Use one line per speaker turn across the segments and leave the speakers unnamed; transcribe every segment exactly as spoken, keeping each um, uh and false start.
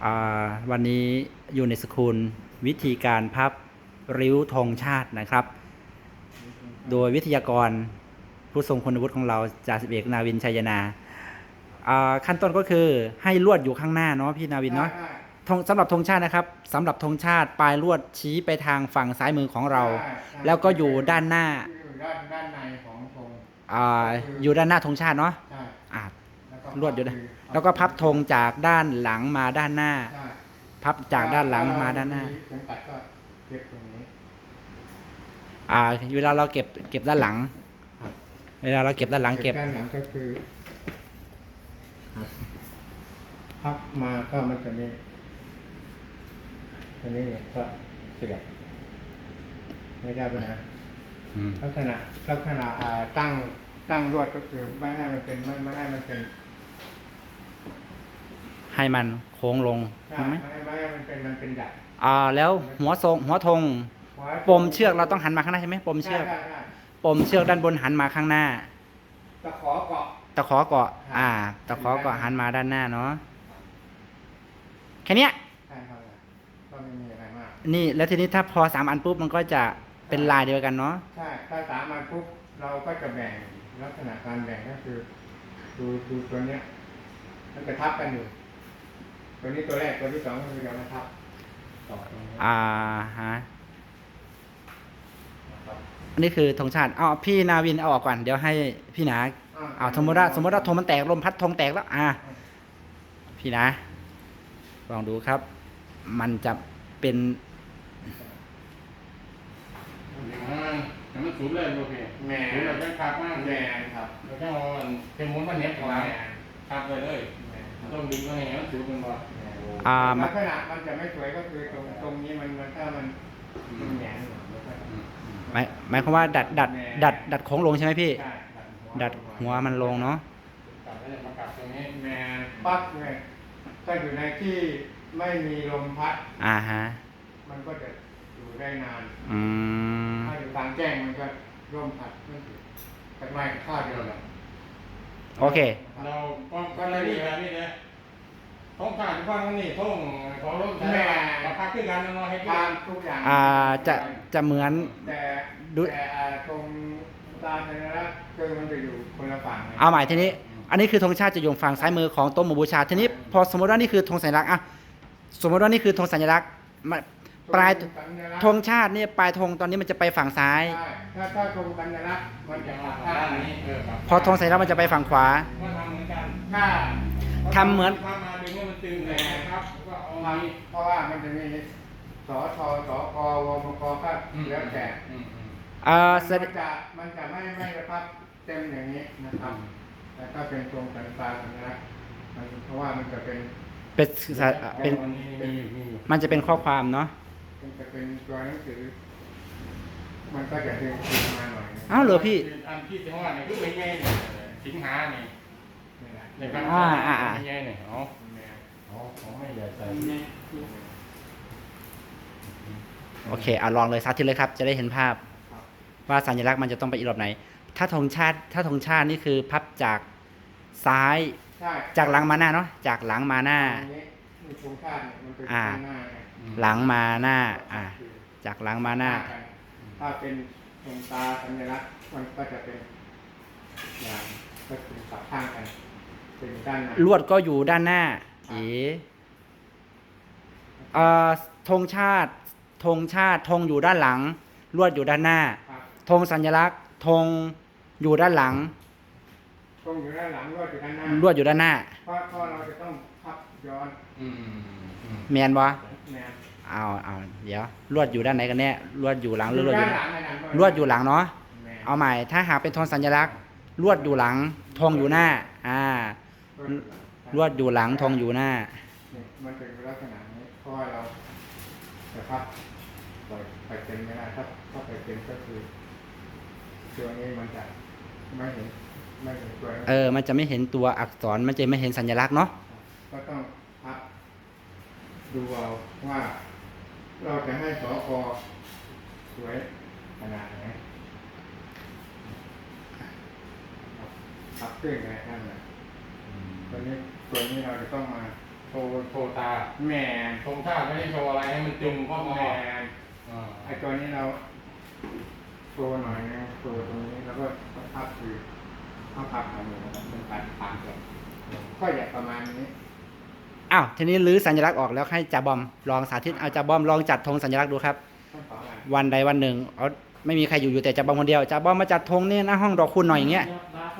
อ่าวันนี้อยู่ในสกุลวิธีการพับริ้วธงชาตินะครับ โดยวิทยากรผู้ทรงคุณวุฒิของเราจ่าสิบเอกนาวินชัยนาอ่าขั้นต้นก็คือให้ลวดอยู่ข้างหน้าเนาะพี่นาวินเนาะธงสำหรับธงชาตินะครับสำหรับธงชาติปลายลวดชี้ไปทางฝั่งซ้ายมือของเรา แล้วก็อยู่ด้านหน้า
อยู่ด้านด้านในของธง
อ่าอยู่ด้านหน้าธงชาติเนาะ
ใช่
อ่า
แล้วก็
ลวดอยู่ด้านแล้วก็พับธงจากด้านหลังมาด้านหน้า
ใช่
พับจากด้านหลังมาด้านหน้า
เข็มขัดก็เก็บตรงนี้
อ่าเวลาเราเก็บเก็บด้านหลัง เวลาเราเก็บด้านหลังเก็บ
ด้านหลังก็คือพับมาก็มันจะมีอันนี้ก็เสียบไม่ได้ปัญหา
อืม
ลักษณะลักษณะอ่าตั้งตั้งลวดก็คือไม่ให้มันเป็นไม่ไม่ให้มันเป็น
ให้มันโค้งลง
ใช่
ใช่ไหม
ไม่ให้ไม่ให้มันเป็นมันเป็นดัด
อ่าแล้วหัวทรงหัวธงปมเชือกเราต้องหันมาข้างหน้าใช่ไหมปมเชือก
ใช่ใช่
ปมเชือกด้านบนหันมาข้างหน้า
ตะขอเกาะ
ตะขอเกาะอ่าตะขอเกาะหันมาด้านหน้าเนาะแค่เนี้ย
ใช่ครับก็ไม่มีอะไรมาก
นี่แล้วทีนี้ถ้าพอสามอันปุ๊บมันก็จะเป็นลายเดียวกันเนาะ
ใช่ถ้าสามอันปุ๊บเราก็จะแบ่งลักษณะการแบ่งก็คือดูดูตัวเนี้ยมันจะทับกันอยู่ตัวนี้ตัวแรกตัวที่สองก็คือจะมาทับต่อตรงนี้
อ่าฮะ
นะครับ
อันนี้คือธงชาติเอาพี่นาวินเอาออกก่อนเดี๋ยวให้พี่หนาเอาสมมติว่าสมมติว่าธงมันแตกลมพัดธงแตกแล้วอ่าพี่นะลองดูครับ มันจะเป็น
แต่มันสูงเลยโอเค
แม่
สูงแบบเป็นคาบมาก
แม่ครับ
แล้วก็เอาเป็นม้วนมันเนี้ยของเราคาบเลยเลยต้องดึงมาให้มันสูงเป็นบ่
อ่า
ลักษณะมันจะไม่สวยก็คือตรงตรงนี้มันมันถ้ามันมันแหงนอยู่แล้วก็
หมายหมายความว่าดัดดัดดัดดัดโค้งลงใช่ไหมพี่
ใช่
ดัดหัวมันลงเนาะ
กลับแล้วมากลับตรงนี้
แม่ปั๊บเลยถ้าอยู่ในที่ไม่มีลมพัด
อ่าฮะ
มันก็จะอยู่ได้นาน
อืม
ถ้าอยู่กลางแจ้งมันก็ร่มพัดไม่ถึงแต่ไม่ข้าวเดียวแหละ
โอเค
เราป้องกันอะไรนี่แบบนี้เลยท้องขาดฟังนี่ท้องของรถแม่มาพักขึ้นกันนอนให้
ทานทุกอย่าง
อ่าจะจะเหมือน
แต่
ดู
แต่อ่าตรงตาเนี่ยนะคือมันจะอยู่คนละฝั่งไง
เอาใหม่ทีนี้ อันนี้คือธงชาติจะอยู่ฝั่งซ้ายมือของโต๊ะหมู่บูชาทีนี้พอสมมติว่านี่คือธงสัญลักษณ์อะสมมติว่านี่คือธงสัญลักษณ์มาปลาย
สัญลักษณ์
ธงชาติเนี่ยปลายธงตอนนี้มันจะไปฝั่งซ้าย
ใช่ถ้าถ้าตรงสัญลักษณ์มันจะ
มา
มา
ด้า
ข้าง
นนี้เออครับ
พอธงสัญลักษณ์มันจะไปฝั่งขวา
มันทำเหมือนกัน
ถ้า
ทำเหมือน
ทำมาดึงให้มันตึงเลยนะครับก็เอา
ท
นี้
ำเพราะว่ามันจะมีสอทอสอกวมกก็แล้วแต่
อืมอืม
เอ่อ
มัน
แสด
จะมันจะไม่ไม่ระพับเต็มอย่างนี้นะครับ แต่ถ้าเป็นตรงสัญลักษณ์สัญลักษณ์มันเพราะว่ามันจะเป็น
เป็นเป็น
อันนี้มีมีอยู่
มันจะเป็นข้อความเนาะ
มันจะเป็นตัวหนังสือ มันก็จะดึงขึ้นมาหน่อยนึง
อ้าวเหรอพี่
อันที่จังหวัดเนี่ยคือเป็นไงเนี่ยสิงหาเนี่ย
นี่แหละ
ในการ
อ่าอ่าอ่า
เป็นไงเนี่ยอ๋ออ๋อของไม่ใหญ่ใส่
โอเคอ่ะลองเลยสาธิตเลยครับ จะได้เห็นภาพ
ครับ
ว่าสัญลักษณ์มันจะต้องไปอีกรอบไหน ถ้าธงชาติ ถ้าธงชาตินี่คือพับจากซ้าย
ใช่
จากหลังมาหน้าเนาะ จากหลังมาหน้า
ตรงนี้มีโครงชาติเนี่ยมันเป็น
อ่า
ข้างหน้าไง
หลังมาหน้า อ่า จากหลังมาหน้า
ถ้าเป็นดวงตาสัญลักษณ์มันก็จะเป็นอย่างก็คือสับข้างกันเป็นด้านใน
ลวดก็อยู่ด้านหน้า เอ๋เอ่อธงชาติ ธงชาติ ธงอยู่ด้านหลัง ลวดอยู่ด้านหน้า
ครับ
ธงสัญลักษณ์ ธงอยู่ด้านหลัง
ตรงอยู่ด้านหลังลวดอยู่ด้านหน้า
ลวดอยู่ด้านหน้า
เพราะเพราะเราจะต้องพับย้อน
อืมอืม
แมนวะ
แนว
เอาเอาเดี๋ยว ลวดอยู่ด้านไหนกันแน่ ลวดอยู่หลังหรือลวดอยู่
ด้านหลังในนั้น
ลวดอยู่หลังเนาะ
แนว
เอาใหม่ ถ้าหากเป็นธงสัญลักษณ์ ลวดอยู่หลัง ธงอยู่หน้า อ่า ลวดอยู่หลัง ธงอยู่หน้า
นี่มันเป็นลักษณะนี้เพราะว่าเราจะพับปล่อยไปเป็นไม่ได้ถ้าถ้าไปเป็นก็คือตัวนี้มันจะไม่เห็นไม่เห็นตัวนี้
เออ มันจะไม่เห็นตัวอักษร มันจะไม่เห็นสัญลักษณ์เนาะ
ก็ต้องพับดูเอาว่า เราจะให้สอกอสวยขนาดไหนพับขึ้นไงนั่นแหละตัวนี้ตัวนี้เราจะต้องมา
โชว์โชว์ตา
แม่
ธงชาติไม่ได้โชว์อะไรให้มันตึงข้อมอ
แม่
อ่า
ไอตัวนี้เราโชว์หน่อยนะโชว์ตรงนี้แล้วก็พับคือพับพับแบบนี้นะครับเป็นปัดปากเลยก็อยากประมาณนี้
อ้าวทีนี้รื้อสัญลักษณ์ออกแล้วให้จ่าบอมลองสาธิตเอาจ่าบอมลองจัดธงสัญลักษณ์ดูครับ
ต้องต่อกัน
วันใดวันหนึ่งเอาไม่มีใครอยู่อยู่แต่จ่าบอมคนเดียวจ่าบอมมาจัดธงนี่หน้าห้องดอกคุณหน่อยอย่างเงี้ย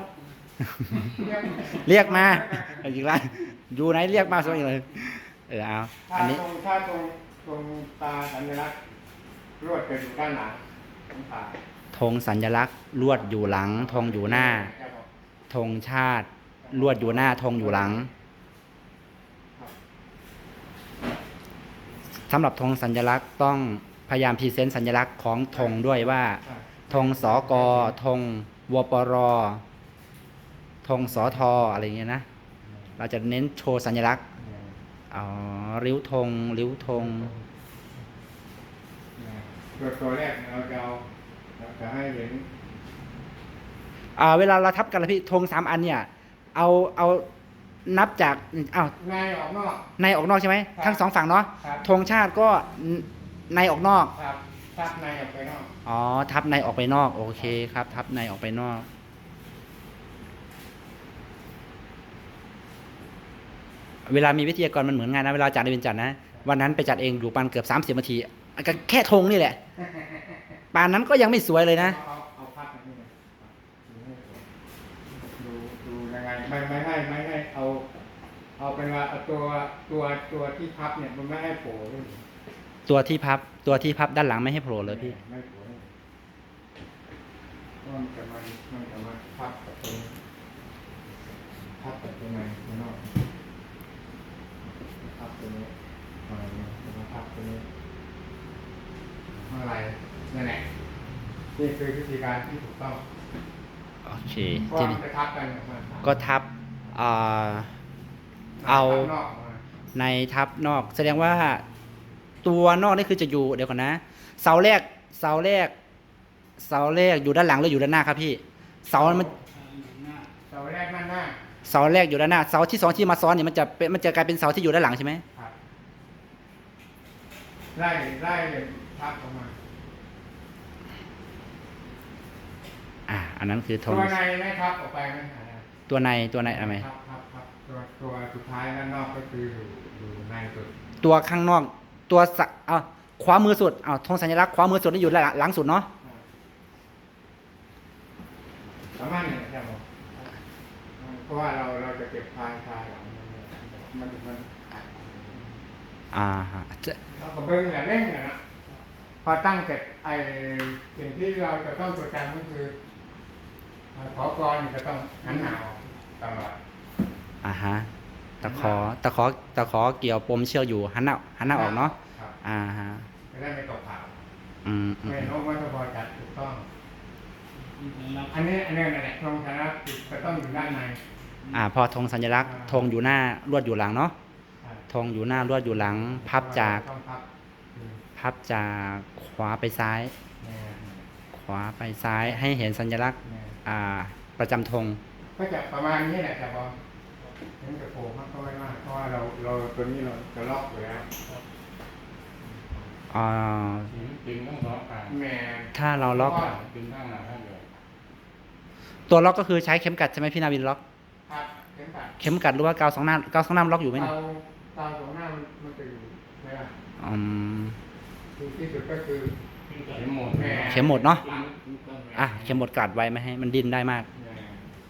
เรียกมาเอาอีกแล้วอยู่ไหนเรียกมาสักอย่างเลยเออเอา
ถ้า
อันนี้
ตรงถ้าตรงตรงตาสัญลักษณ์รวดจะอยู่ด้านหลังของตา
ธงสัญลักษณ์ลวดอยู่หลังธงอยู่หน้าธงชาติลวดอยู่หน้าธงอยู่หลังสำหรับธงสัญลักษณ์ต้องพยายามพรีเซนต์สัญลักษณ์ของธงด้วยว่าธงสกธงวปรธงสทอะไรอย่างเงี้ยนะเราจะเน้นโชว์สัญลักษณ์อ๋อริ้วธงริ้วธง
ตัวตัวแรกเราจะเอาเราจะให้เห็น
อ่าเวลาเราทับกันละพี่ธงสามอันเนี่ยเอาเอานับจากอ้าว
ในออกนอก
ในออกนอกใช่ไหม
ครับ
ทั้งสองฝั่งเนาะ
ครับ
ธงชาติก็ในออกนอก
ครับทับในออกไปนอก
อ๋อทับในออกไปนอกโอเคครับ ทับในออกไปนอก เวลามีวิทยากรมันเหมือนงานนะเวลาจัดในเป็นจัดนะวันนั้นไปจัดเองอยู่ปานเกือบสามสิบนาทีก็แค่ธงนี่แหละปานนั้นก็ยังไม่สวยเลยนะ
เอาเอาพับแบบนี้นะดูดูยังไงไม่ไม่ให้ไม่ให้เอา เอาเป็นว่าเอาตัวตัวตัวที่พับเนี่ยมันไม่ให้โผล่ด้วย
ตัวที่พับตัวที่พับด้านหลังไม่ให้โผล่เลยพี่
ไม่โผล่เลยเพราะมันจะมามันจะมาพับกับตรงนี้พับกับตรงในข้างนอกพับตรงนี้อะไรเนี่ยมาพับตรงนี้อะไรนั่นแหละนี่คือวิธีการที่ถูกต้อง
โอเค
เพราะ
ที
ว่ามั
นี้
นจะทับกันออกมา
ก็ทับอ่า เอา
ทับนอกออกมา
ในทับนอก แสดงว่าตัวนอกนี่คือจะอยู่เดี๋ยวก่อนนะ เสาแรกเสาแรกเสาแรกอยู่ด้านหลังหรืออยู่ด้านหน้าครับพี่เสามัน
เสาแรกด้านหน้า
เสาแรกอยู่ด้านหน้าเสาที่สองที่มาซ้อนเนี่ยมันจะเป็นมันจะกลายเป็นเสาที่อยู่ด้านหลังใช่ไหม
ครับไล่ไล่ทับออกมา
อ่าอันนั้นคือธ
ตั
ง
วในไม่ทับออกไปไม่หาย
ตัวในตัวในอะไร
ครับครับครับตัวตัวสุดท้ายด้านนอกก็คืออยู่อยู่ในสุด
ตัวข้างนอกตัวสะเอาขวามือสุดเอาธงสัญลักษณ์ขวามือสุดนี่อยู่หลังหลังสุดเนาะ
สามารถเนี่ยใช่ไหมเพราะว่าเราเราจะเก็บพายพายหลังมันมัน
อ่าฮะจะ
เราก็เบิ้งแหละเร่งนะนะพอตั้งเสร็จไอ้สิ่งที่เราจะต้องจดจำก็คือขอกรจะต้องหันหนาวตลอด
อ่าฮะตะขอตะขอตะขอเกี่ยวปมเชือกอยู่หันหน้าหันหน้าออกเนาะ
ครับ
อ่าฮะ
จะได้ไม่ตกข่าว
อืมอืม
ไม่โน้มว่าจะพอจัดถูกต้อง อันนี้อันนี้นั่นแหละตรงชนะจะต้องอยู่ด้านใน
อ่าพอธงสัญลักษณ์ธงอยู่หน้าลวดอยู่หลังเนาะธงอยู่หน้าลวดอยู่หลัง พับจาก
ต้องพับ
พับจากขวาไปซ้าย
แนว
ขวาไปซ้ายให้เห็นสัญลักษณ์
แนว
อ่าประจำธง
ก็จะประมาณนี้แหละแต่บอลถึงจะโผล่มากก็ไม่มากเพราะว่าเราเราตัวนี้เราจะล็อกอยู่แล้ว
อ่า
ถึงถึงต้องสองข้าง
แม่
ถ้าเราล็อก
ถึงข้างหน้าข้างเดียว
ตัวล็อกก็คือใช้เข็มกัดใช่ไหมพี่นาวินล็อก
ครับเข็มขัด
เข็มกัดหรือว่ากาวสองหน้ากาวสองหน้ามันล็อกอยู่ไหมเนี่ย
เตาเตาของหน้ามันมันจะอยู่ไหมล่ะ
อืม
คือที่สุดก็คือ
เข็มหมด
แม่
เข็มหมดเนาะ
หลัง
อ่ะเข็มหมดกัดไว้ไม่ให้มันดิ้นได้มาก
แม่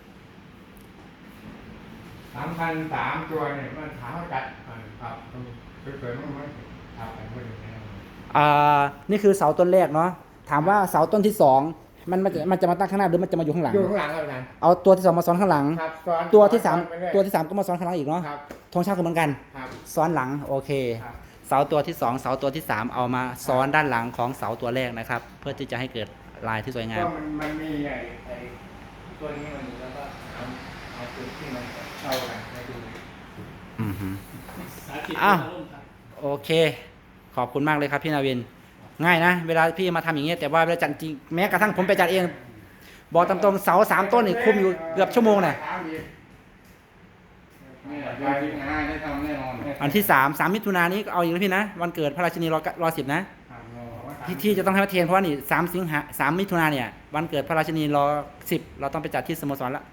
สามพันสามตัวเนี่ยมันถามว่าจัดอ่าครับเกิดๆมั้งไหมครับแต่ไม่ได้แน่
อ่านี่คือเสาต้นแรกเนาะถามว่าเสาต้นที่สองมันมันจะมันจะมาตั้งข้างหน้าหรือมันจะมาอยู่ข้างหลัง
อยู่ข้างหลังแล้วกัน
เอาตัวที่สองมาซ้อนข้างหลัง
ครับซ้อน
ตัวที่สาม
ซ้อนไปเรื่อย
ตัวที่สามก็มาซ้อนข้างหลังอีกเนาะ
ครับ
ธงชาติก็เหมือนกัน
ครับ
ซ้อนหลังโอเค
ครับ
เสาตัวที่สองเสาตัวที่สามเอามาซ้อนด้านหลังของเสาตัวแรกนะครับ เพื่อที่จะให้เกิดลายที่สวยงาม
ก็มันมันมีไอ้ไอ้ตัวนี้มันแล้วก็เอาเอาจุดที่มันเข้ากันให้ดู
อือฮึ
สาธิต
อ้าว
ร่วมกัน
โอเค ขอบคุณมากเลยครับพี่นาวิน ง่ายนะ เวลาพี่มาทำอย่างเงี้ยแต่ว่าเวลาจัดจริงแม้กระทั่งผมไปจัดเอง บอกตามตรงเสาสามต้นนี่คุมอยู่เกือบชั่วโมงน่ะ
ถามอีก
นี่เดือนสิงหาได้ทำแน่นอน
วันที่สามสามมิถุนายนนี้ก็เอาอีกแล้วพี่นะวันเกิดพระราชินีรอรอสิบนะที่ที่จะต้องให้พระเทนเพราะว่านี่สามสิงหาสามมิถุนายนเนี่ยวันเกิดพระราชินีรอสิบเราต้องไปจัดที่สโมสรละ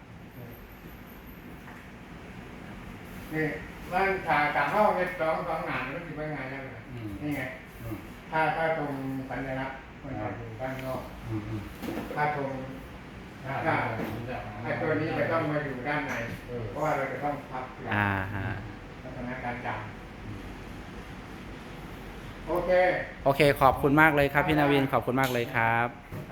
นี่มันถ่ายจากห้องเนี่ยสองสองหนานมันจะเป็นไงนั่นนี่ไงถ้าถ้าตรงสัญลักษณ์มันจะอยู่ด้านนอกถ้าตรงถ้าไอ้ตัวนี้จะต้องมาอยู่ด้านในเพราะว่าเราจะต้องพับ
อ่าฮะ
ลักษณะการจับโอเค
โอเคขอบคุณมากเลยครับพี่นาวินขอบคุณมากเลยครับ
ค